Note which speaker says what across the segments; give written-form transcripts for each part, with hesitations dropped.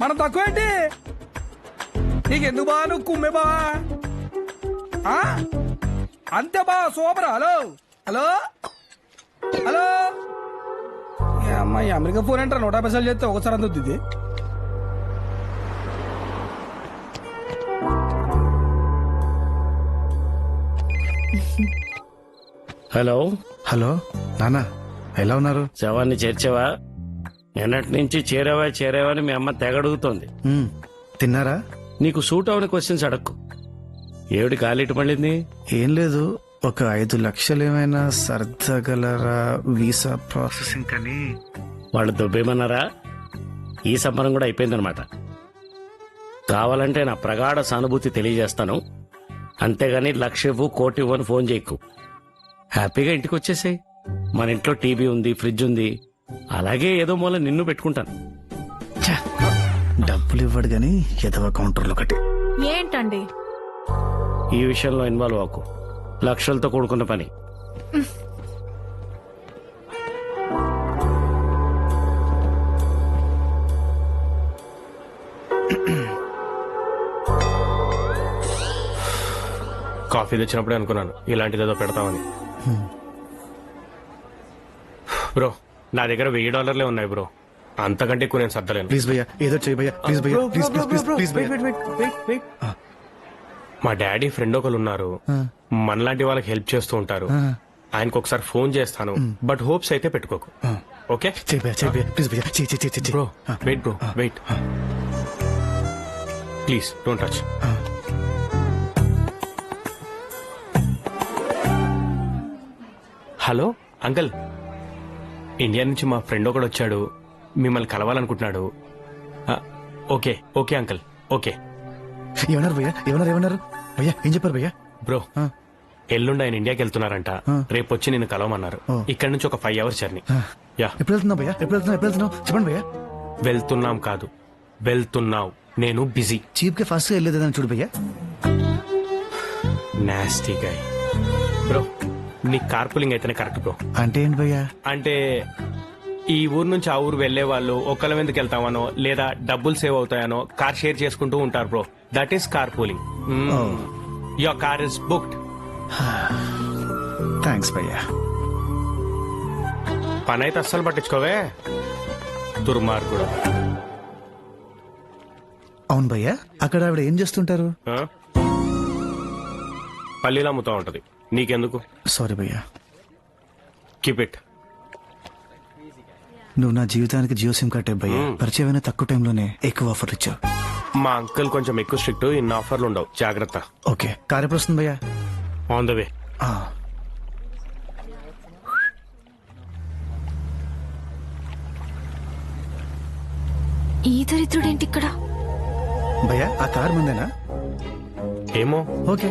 Speaker 1: మనం తక్కువ ఏంటి? నీకెందుకు బా నువ్వు కుమ్మే బా అంతే బా సూపర్. హలో హలో హలో అమ్మాయి అమెరికా ఫోన్ అంటారా 150 సార్లు చేస్తే ఒకసారి అందుద్ది.
Speaker 2: హలో
Speaker 3: హలో నాన్న, ఎలా ఉన్నారు?
Speaker 2: శవాన్ని చేర్చావా? నిన్నటి నుంచి చేరావా అని మీ అమ్మ తెగడుగుతోంది.
Speaker 3: తిన్నారా?
Speaker 2: నీకు సూట్ అవని క్వశ్చన్స్ అడక్కు. ఏమిటి కాలిటి పడింది?
Speaker 3: ఏం లేదు, ఒక 5 లక్షలు ఏమైనా సర్దగలరా? వీసా ప్రాసెసింగ్ కని.
Speaker 2: వాళ్ళు దొబ్బేమన్నారా? ఈ సంబరం కూడా అయిపోయిందనమాట. కావాలంటే నా ప్రగాఢ సానుభూతి తెలియజేస్తాను, అంతేగాని 1,00,000 ఇవ్వు 1,00,00,000 ఇవ్వు అని ఫోన్ చేయకు. హ్యాపీగా ఇంటికి వచ్చేసాయి. మన ఇంట్లో టీవీ ఉంది, ఫ్రిడ్జ్ ఉంది, అలాగే ఏదో మూల నిన్ను పెట్టుకుంటాను.
Speaker 3: ఛ, డబ్బులు ఇవ్వడు గాని ఎదవ కౌంటర్లు ఒకటి.
Speaker 4: ఏంటండి
Speaker 2: ఈ విషయంలో ఇన్వాల్వ్ అవ్వకు. లక్షలతో కూడుకున్న పని.
Speaker 5: కాఫీ తెచ్చినప్పుడే అనుకున్నాను ఇలాంటిదేదో పెడతామని. బ్రో నా దగ్గర $1000 ఉన్నాయి బ్రో, అంతకంటే ఎక్కువ నేను సర్దలేను.
Speaker 3: ప్లీజ్ భయ్యా, ఏదో చేయి భయ్యా, ప్లీజ్ భయ్యా, ప్లీజ్ ప్లీజ్ ప్లీజ్ ప్లీజ్ భయ్యా.
Speaker 5: మా డాడీ ఫ్రెండ్ ఒకరు ఉన్నారు, మనలాంటి వాళ్ళకి హెల్ప్ చేస్తూ ఉంటారు. ఆయనకు ఒకసారి ఫోన్ చేస్తాను, బట్ హోప్స్ అయితే పెట్టుకోకు. ఓకే
Speaker 3: చేయి భయ్యా, చేయి భయ్యా, ప్లీజ్ భయ్యా, చేయి చేయి చేయి.
Speaker 5: Bro wait, bro wait, please don't touch. Hello uncle, India నుంచి మా ఫ్రెండ్ ఒకడు వచ్చాడు, మిమ్మల్ని కలవాలనుకుంటున్నాడు. Okay okay uncle, okay.
Speaker 3: ఏమన్నారు భయ్యా? ఏమన్నారు భయ్యా? ఏం చెప్పారు భయ్యా?
Speaker 5: బ్రో ఎల్లుండి ఆయన ఇండియాకి వెళ్తున్నారంట, రేపు వచ్చి నిన్ను కలవమన్నారు. ఇక్కడ నుంచి ఒక 5 hours జర్నీ. యా.
Speaker 3: ఎప్పుడు వెళ్తున్నావు భయ్యా? ఎప్పుడు వెళ్తున్నావు చెప్పండి భయ్యా.
Speaker 5: వెళ్తున్నాం కాదు, వెళ్తున్నావు. నేను బిజీ.
Speaker 3: చీప్ గా ఫాస్ట్ గా వెళ్ళేదని చూడు భయ్యా.
Speaker 5: నాస్టీ గై. బ్రో నీ కార్పూలింగ్ అయితేనే కరెక్ట్ బ్రో.
Speaker 3: అంటే ఏంటి భయ్యా?
Speaker 5: అంటే ఈ ఊరు నుంచి ఆ ఊరు వెళ్లే వాళ్ళు ఒక్కళ్ళ ఎందుకు వెళ్తామనో లేదా డబ్బులు సేవ్ అవుతాయనో కార్ షేర్ చేసుకుంటూ ఉంటారు bro. That is car pooling. Your car is booked.
Speaker 3: Thanks భయ్యా.
Speaker 5: పని అయితే అస్సలు పట్టించుకోవే దుర్మార్గుడు.
Speaker 3: అవును భయ్యా, అక్కడ ఆవిడ ఏం చేస్తుంటారు?
Speaker 5: పల్లీలు అమ్ముతా ఉంటది, నీకెందుకు?
Speaker 3: సారీ భయ్యా.
Speaker 5: Keep it.
Speaker 3: నువ్వు నా జీవితానికి జియో సిమ్ కట్టే భయ్యా. పరిచయమైన తక్కువ టైంలోనే ఎక్కువ ఆఫర్ ఇచ్చావు.
Speaker 5: మా అంకుల్ కొంచెం ఎక్కువ స్ట్రిక్ట్, ఇన్ని ఆఫర్లు ఉండవు, జాగ్రత్త.
Speaker 3: ఓకే, కార్ ఎప్పుడు వస్తుంది భయ్యా?
Speaker 5: On the way.
Speaker 4: ఈ దరిద్రుడేంటి ఇక్కడ?
Speaker 3: భయ్యా ఆ కార్ ముందేనా?
Speaker 5: ఏమో.
Speaker 3: ఓకే.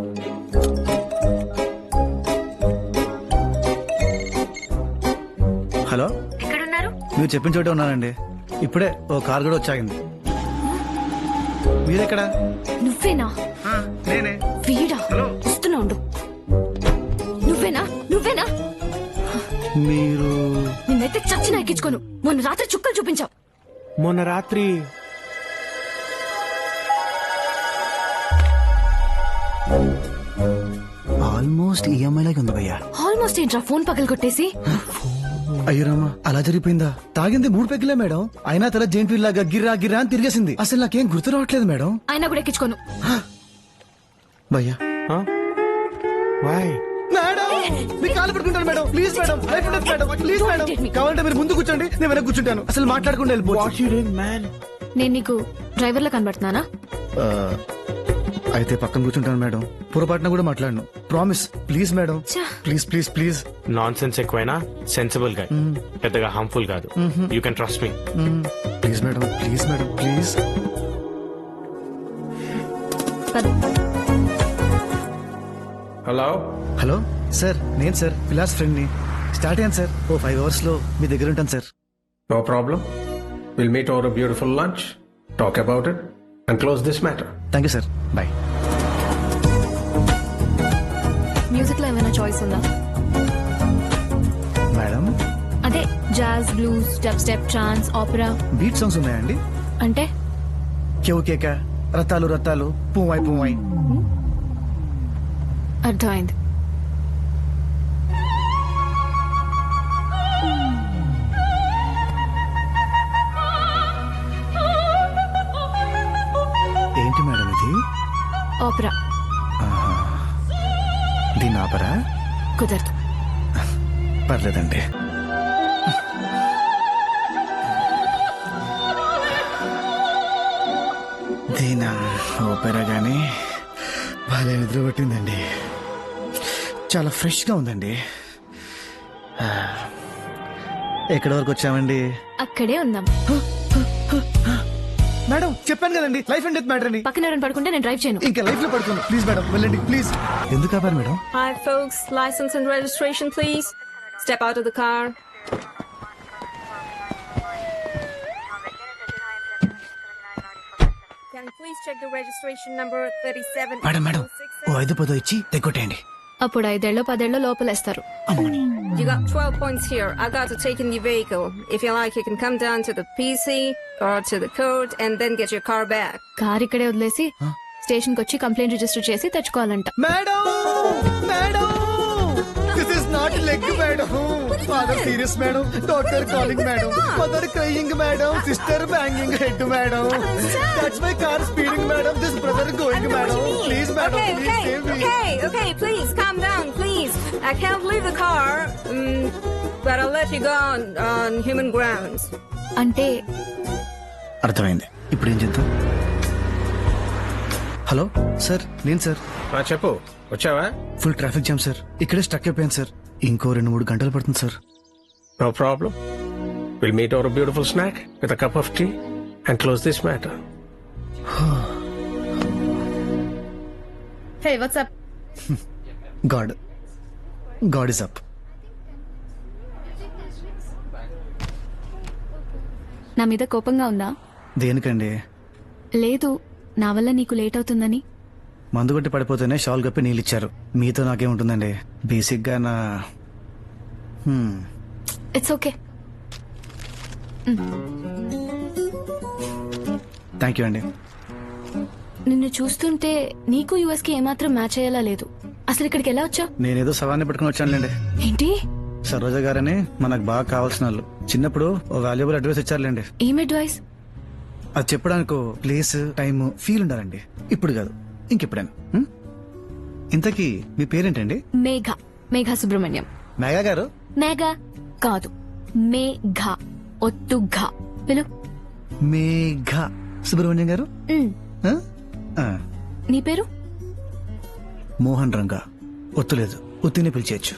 Speaker 3: హలో,
Speaker 4: ఎక్కడున్నారు?
Speaker 3: మీరు చెప్పిన చోటే ఉన్నానండి. ఇప్పుడే ఓ కార్ కూడా వచ్చాగింది. మీరెక్కడా?
Speaker 4: నువ్వేనా?
Speaker 3: నేనే.
Speaker 4: వీడా? వస్తున్నా ఉండు. నువ్వేనా?
Speaker 3: మీరు?
Speaker 4: నిన్నైతే చచ్చిన ఎక్కించుకోను. మొన్న రాత్రి చుక్కలు చూపించావు.
Speaker 5: మొన్న రాత్రి
Speaker 3: ఆల్మోస్ట్ ఈఎంఐ లాగా ఉంది భయ్యా.
Speaker 4: ఆల్మోస్ట్ ఏంట్రా ఫోన్ పగలు కొట్టేసి?
Speaker 3: అయ్యో రామా, అలా జరిగిపోయిందా? తాగింది 3 పెగ్గులే మేడం, అయినా తల జెంట్ వీల్ లాగా గిర్రా గిర్రా అని తిరిగేసింది. అసలు నాకేం గుర్తు రావట్లేదు మేడం.
Speaker 4: అయినా కూడా ఎక్కించుకోను.
Speaker 3: భయ్యా
Speaker 5: వాయ్
Speaker 3: మేడం, మీ కాలు పట్టుకుంటాను మేడం. ప్లీజ్ మేడం, లైఫ్ ఉండదు మేడం, ప్లీజ్ మేడం. కావాలంటే మీరు ముందు కూర్చోండి, నేను వెనక కూర్చుంటాను. అసలు మాట్లాడకుండా వెళ్ళిపోవచ్చు.
Speaker 4: నేను నీకు డ్రైవర్ లా కనబడుతున్నానా?
Speaker 3: అయితే పక్కన కూర్చుంటాను మేడం. పొరపాటున కూడా మాట్లాడను. Promise. Please madam, please please please.
Speaker 5: Nonsense ఎక్కువైనా సెన్సిబుల్ గా, పెద్దగా హార్మ్ఫుల్ కాదు. You can trust me.
Speaker 3: Please madam, please madam, please.
Speaker 5: Hello
Speaker 3: hello sir, నేను సార్ విలాస్ ఫ్రెండ్ ని. స్టార్ట్ అయ్యాను సార్. ఓ 5 hours లో మీ దగ్గర ఉంటాను sir.
Speaker 6: No problem. We'll meet over a beautiful lunch, talk about it, and close this matter.
Speaker 3: Thank you sir, bye.
Speaker 4: Music లో ఏమైనా చాయిస్ ఉందా?
Speaker 3: మేడం
Speaker 4: అదే jazz, blues, dubstep, trance, opera.
Speaker 3: Beat songs ఉన్నాయండి?
Speaker 4: అంటే
Speaker 3: cave కేక రత్తాలు రత్తాలు పువ్వాయి పువ్వాయి.
Speaker 4: అర్థమైంది.
Speaker 3: ఏంటి madam ఇది?
Speaker 4: ఓపెరా
Speaker 3: దీని ఆపరా?
Speaker 4: కుదరదు.
Speaker 3: పర్లేదండి. దీని ఓపెరా గానీ బాగా నిద్ర పట్టిందండి. చాలా ఫ్రెష్గా ఉందండి. ఎక్కడి వరకు వచ్చామండి?
Speaker 4: అక్కడే ఉందాం.
Speaker 3: మేడం చెప్పాను కదండి లైఫ్ అండ్ డెత్ మ్యాటర్ అని.
Speaker 4: పక్కన ఎవరైనా పడుకుంటే నేను డ్రైవ్ చేయను.
Speaker 3: ఇంకా లైఫ్ లో పడుకోండి ప్లీజ్ మేడం, వెళ్ళండి ప్లీజ్. ఎందుకు ఆపారు madam?
Speaker 7: Hi, folks. License and registration, please. Step out of the car. Can you please check the registration number 37?
Speaker 3: Madam madam ఓ 5-10 ఇచ్చి తెగొట్టేయండి.
Speaker 4: అప్పుడు 5 10 లోపలేస్తారు.
Speaker 3: అమ్మని.
Speaker 7: You got 12 points here. I got to take in the vehicle. If you like, you can come down to the PC or to the court and then get your car back.
Speaker 4: Car ఇక్కడే వదిలేసి station కి వచ్చి complaint register చేసి తెచ్చుకోవాలంట.
Speaker 3: Madam madam this is not leg madam. Father serious madam. Doctor calling madam. Mother crying madam. Sister banging head madam. That's my car speeding madam. This brother going madam. Please madam please save me.
Speaker 7: Okay, please calm down, please. I can't leave the car, but I'll let you go on human grounds.
Speaker 4: అంటే
Speaker 3: అర్థమైంది. ఇప్పుడు ఏం చేద్దాం? హలో sir, నేను sir.
Speaker 6: చెప్పు, వచ్చావా?
Speaker 3: Full traffic jam sir. ఇక్కడే స్టక్ అయిపోయాను సార్. ఇంకో 2-3 గంటలు పడుతుంది sir.
Speaker 6: No problem. We'll meet over a beautiful snack with a cup of tea and close this matter.
Speaker 4: Hey what's up?
Speaker 3: God is up.
Speaker 4: నా మీద కోపంగా ఉందా?
Speaker 3: దేనికండి?
Speaker 4: లేదు, నా వల్ల నీకు లేట్ అవుతుందని.
Speaker 3: మందు కొట్టి పడిపోతేనే షాల్ కప్పి నీళ్ళు ఇచ్చారు. మీతో నాకేముంటుందండి? బేసిక్ గా నా
Speaker 4: ఇట్స్ ఓకే.
Speaker 3: థ్యాంక్ యూ అండి.
Speaker 4: నిన్ను చూస్తుంటే నీకు యుఎస్ కి ఏమాత్రం మ్యాచ్ అయ్యేలా లేదు. అసలు ఇక్కడికి ఎలా వచ్చా?
Speaker 3: నేనేదో సవాన్ని పెట్టుకుని వచ్చానులేండి.
Speaker 4: ఏంటి?
Speaker 3: సరోజ గారని మనకు బాగా కావాల్సిన వాళ్ళు. చిన్నప్పుడు ఓ వాల్యుబుల్ అడ్వైస్ ఇచ్చారులేండి.
Speaker 4: ఏం అడ్వైస్?
Speaker 3: అది చెప్పడానికి ప్లేస్ టైం ఫీల్ ఉండాలండి. ఇప్పుడు కాదు, ఇంకెప్పుడైనా. ఇంతకీ మీ పేరేంటండి?
Speaker 4: మేఘా సుబ్రహ్మణ్యం.
Speaker 3: మేఘా గారు?
Speaker 4: మేఘా కాదు, మేఘా ఒత్తు ఘా పిలు.
Speaker 3: మేఘా సుబ్రహ్మణ్యం గారు. ఆ? ఆ.
Speaker 4: నీ పేరు?
Speaker 3: మోహన్ రంగా. ఒత్తులేదు, ఒత్తిని పిలిచేయచ్చు.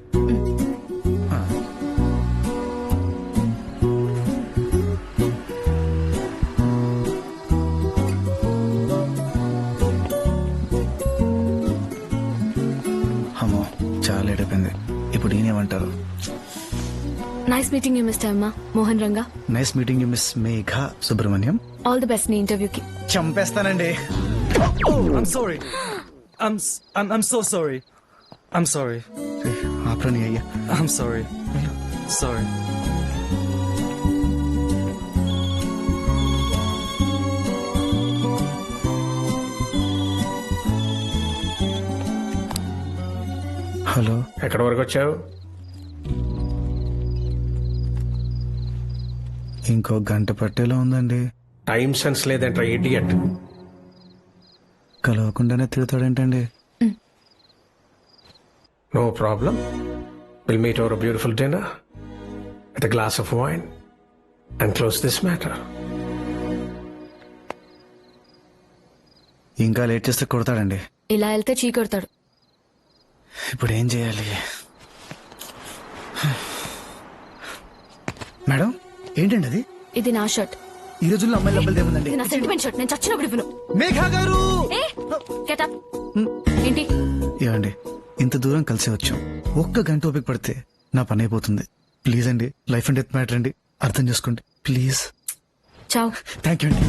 Speaker 3: అమ్మో చాలా లేట్ అయిపోయింది. ఇప్పుడు ఈయనేమంటారు?
Speaker 4: నైస్ మీటింగ్ యూ మిస్టర్ అమ్మా Mohan Ranga.
Speaker 3: Nice meeting you miss Megha Subrahmanyam.
Speaker 4: All the best నీ ఇంటర్వ్యూకి.
Speaker 3: చంపేస్తానండి.
Speaker 8: I'm sorry. I'm so sorry. I'm sorry.
Speaker 3: ఆప్రాని అయ్యా.
Speaker 8: I'm sorry. Sorry.
Speaker 3: హలో,
Speaker 6: ఎక్కడి వరకు వచ్చావు?
Speaker 3: ఇంకో గంట పట్టేలా ఉందండి.
Speaker 6: టైం సెన్స్ లేదంట ఇడియట్.
Speaker 3: కలవకుండానే తిడతాడేంటండి?
Speaker 6: No problem. We'll meet over a beautiful dinner with a glass of wine and close this matter.
Speaker 3: ఇంకా లేట్ చేస్తే కొడతాడండి.
Speaker 4: ఇలా వెళ్తే చీకొడతాడు.
Speaker 3: ఇప్పుడు ఏం చేయాలి? మేడం ఏంటండి అది?
Speaker 4: ఇది నా షర్ట్.
Speaker 3: ఈ రోజుల్లో అమ్మాయిలు అబ్బాయిలు ఏముందండి?
Speaker 4: ఇది నా సెంటిమెంట్ షర్ట్. నేను చచ్చినప్పుడు ఇవ్వను.
Speaker 3: మేఘా గారు
Speaker 4: గెట్ అప్. ఏంటి?
Speaker 3: ఏమండి, ఇంత దూరం కలిసి వచ్చాం. ఒక్క గంట ఓపిక పడితే నా పని అయిపోతుంది. ప్లీజ్ అండి, లైఫ్ అండ్ డెత్ మ్యాటర్ అండి, అర్థం చేసుకోండి ప్లీజ్.
Speaker 4: చావ్.
Speaker 3: థ్యాంక్ యూ అండి.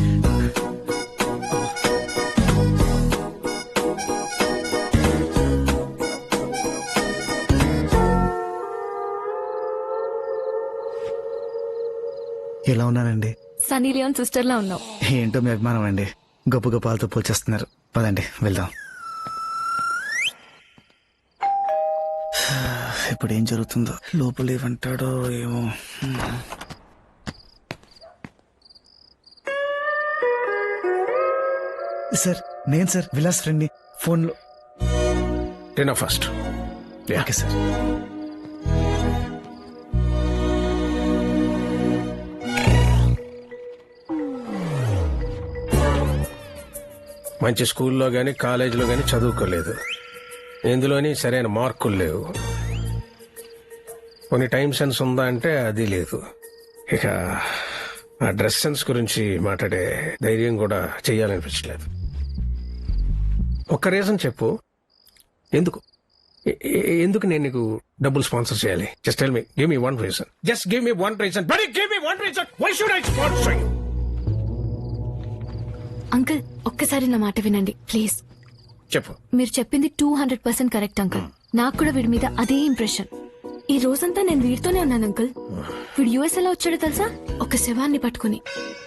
Speaker 3: ఎలా ఉన్నానండి?
Speaker 4: సనీ లియోన్ సిస్టర్ లా ఉన్నావు.
Speaker 3: ఏంటో మీ అభిమానం అండి, గొప్ప గొప్ప వాళ్ళతో పోల్చేస్తున్నారు. పదండి వెళ్దాం. ఇప్పుడు ఏం జరుగుతుందో, లోపల ఏమంటాడో ఏమో. సార్ నేను సార్ విలాస్ ఫ్రెండ్ని. ఫోన్లో.
Speaker 6: Dinner first.
Speaker 3: Okay sir.
Speaker 6: మంచి స్కూల్లో గానీ కాలేజీలో గానీ చదువుకోలేదు, ఎందులోని సరైన మార్కులు లేవు, కొన్ని టైం సెన్స్ ఉందా అంటే అది లేదు. ఇక ఆ డ్రెస్ సెన్స్ గురించి మాట్లాడే ధైర్యం కూడా చెయ్యాలనిపించలేదు. ఒక్క రీజన్ చెప్పు, ఎందుకు ఎందుకు నేను నీకు డబ్బులు స్పాన్సర్ చేయాలి? Just tell me, give me one reason, just give me one reason, but give me one reason, why should I sponsor you?
Speaker 4: Uncle ఒక్కసారి నా మాట వినండి ప్లీజ్.
Speaker 6: చెప్పు.
Speaker 4: మీరు చెప్పింది 200% కరెక్ట్ అంకుల్. నాకు కూడా వీడి మీద అదే ఇంప్రెషన్. ఈ రోజంతా నేను వీడితోనే ఉన్నాను అంకుల్. వీడు యుఎస్ ఎలా వచ్చాడో తెలుసా? ఒక శవాన్ని పట్టుకుని.